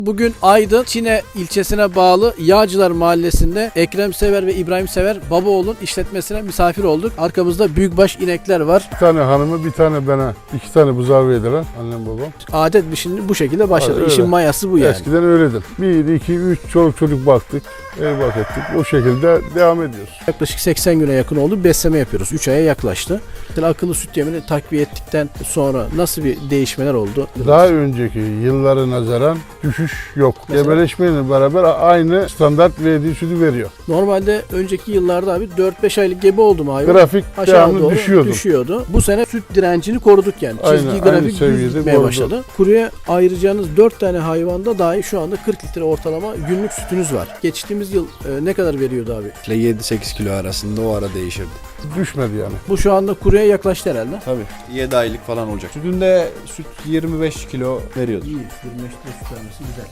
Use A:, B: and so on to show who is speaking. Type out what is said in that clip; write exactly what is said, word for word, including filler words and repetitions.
A: Bugün Aydın Çine ilçesine bağlı Yağcılar Mahallesi'nde Ekrem Sever ve İbrahim Sever Babaoğlu'nun işletmesine misafir olduk. Arkamızda büyükbaş inekler var.
B: Bir tane hanımı, bir tane bana, iki tane buzağı verdiler annem babam.
A: Adet bir şimdi bu şekilde başladı.
B: Öyle.
A: İşin mayası bu yani.
B: Eskiden öyledir. Bir, iki, üç çoluk çocuk baktık, ev bak ettik. O şekilde devam ediyoruz.
A: Yaklaşık seksen güne yakın oldu. Besleme yapıyoruz. üç aya yaklaştı. Mesela akıllı süt yemini takviye ettikten sonra nasıl bir değişmeler oldu?
B: Daha önceki yıllara nazaran düşüş yok.
A: Mesela?
B: Gebeleşmeyle beraber aynı standart verdiği sütü veriyor.
A: Normalde önceki yıllarda abi dört beş aylık gebe oldu mu hayvan?
B: Grafik
A: Aşağı
B: devamlı
A: doğru
B: düşüyordu.
A: düşüyordu. Bu sene süt direncini koruduk yani.
B: Aynen,
A: Çizgi
B: aynı
A: grafik düz
B: seviyede
A: gitmeye
B: koruduk.
A: başladı. Kuruya ayıracağınız dört tane hayvanda dahi şu anda kırk litre ortalama günlük sütünüz var. Geçtiğimiz yıl e, ne kadar veriyordu abi?
C: yedi sekiz kilo arasında o ara değişirdi.
B: Düşmedi yani.
A: Bu şu anda kuruya yaklaştı herhalde.
C: Tabii. yedi aylık falan olacak. Sütünde süt yirmi beş kilo veriyordu.
A: İyi. yirmi beş litre süt vermesi güzel.